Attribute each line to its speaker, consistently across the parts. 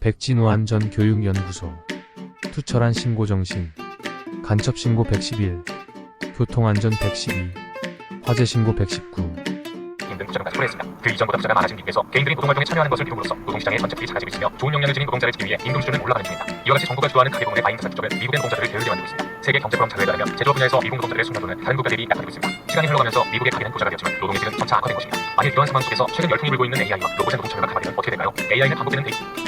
Speaker 1: 백진우 안전교육연구소. 투철한 신고정신. 간첩신고 111, 교통안전 112, 화재신고 119.
Speaker 2: 등 부작용까지 초래했습니다. 그 이전보다 부자가 많아진 미국에서 개인들이 노동활동에 참여하는 것을 키움으로써 노동시장의 전체들이 작아지고 있으며 좋은 역량을 지닌 노동자를 지기 위해 임금 수준은 올라가는 중입니다. 이와 같이 정부가 주도하는 가계 부문의 마인드 산업적은 미국의 노동자들을 게으르게 만들고 있습니다. 세계 경제포럼 자료에 따르면 제조업 분야에서 미국 노동자들의 숙련도는 다른 국가 대비 약화되고 있습니다. 시간이 흘러가면서 미국의 가계는 부자가 되었지만 노동의 질은 점차 악화된 것입니다. 만일 이러한 상황 속에서 최근 열풍이 불고 있는 AI와 로봇의 노동 참여가 가마되면 어떻게 될까요? AI는 반복되는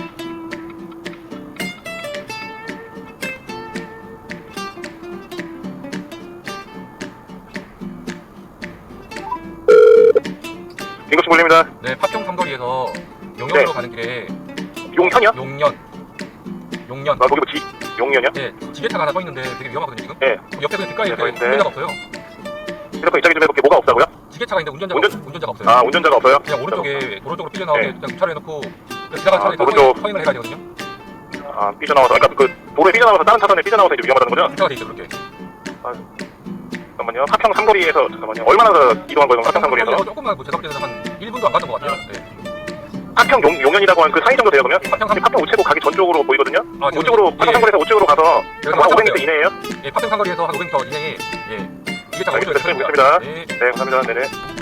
Speaker 3: 인구씨 몰립니다.
Speaker 2: 네, 파평 삼거리에서 용현으로 가는 길에
Speaker 3: 용현이요?
Speaker 2: 용현.
Speaker 3: 아, 거기 뭐 용현이요?
Speaker 2: 네, 지게차가 하나 서 있는데 되게 위험하거든요 지금.
Speaker 3: 네.
Speaker 2: 옆에 그냥 뒷가에
Speaker 3: 네,
Speaker 2: 이렇게
Speaker 3: 있는데.
Speaker 2: 운전자가 없어요.
Speaker 3: 휴대폰 입장이 좀 해볼게. 뭐가 없다고요?
Speaker 2: 지게차가 있는데 운전자가 없어요.
Speaker 3: 아, 운전자가 없어요?
Speaker 2: 그냥 오른쪽에 도로 쪽으로 삐져나오게
Speaker 3: 네.
Speaker 2: 그냥 주차를 해놓고 지나가는 차량이 다
Speaker 3: 오른쪽.
Speaker 2: 서행을 해가야 되거든요.
Speaker 3: 아, 삐져나와서. 그러니까 그 도로에 삐져나와서 다른 차선에 삐져나와서 이제 위험하다는 거죠?
Speaker 2: 주차가 돼 있죠 그렇게.
Speaker 3: 잠깐만요. 파평 삼거리에서 잠깐만요. 얼마나 더 이동한 거예요? 파평 삼거리에서?
Speaker 2: 조금만 제가 볼 때는 한 1분도 안 갔던 것 같아요. 네.
Speaker 3: 파평 용현이라고 한 그 사이 정도 돼요 그러면?
Speaker 2: 파평 삼-
Speaker 3: 파평 우체국 가기 전쪽으로 보이거든요?
Speaker 2: 아, 지금-
Speaker 3: 우측으로 파평
Speaker 2: 예.
Speaker 3: 삼거리에서 우측으로 가서
Speaker 2: 여기서
Speaker 3: 한 500m
Speaker 2: 맞춰봤어요.
Speaker 3: 이내에요?
Speaker 2: 예, 파평 삼거리에서 한 500m 이내에 예, 지게차가
Speaker 3: 알겠습니다.
Speaker 2: 오른쪽에
Speaker 3: 알겠습니다.
Speaker 2: 네.
Speaker 3: 네, 감사합니다. 네네.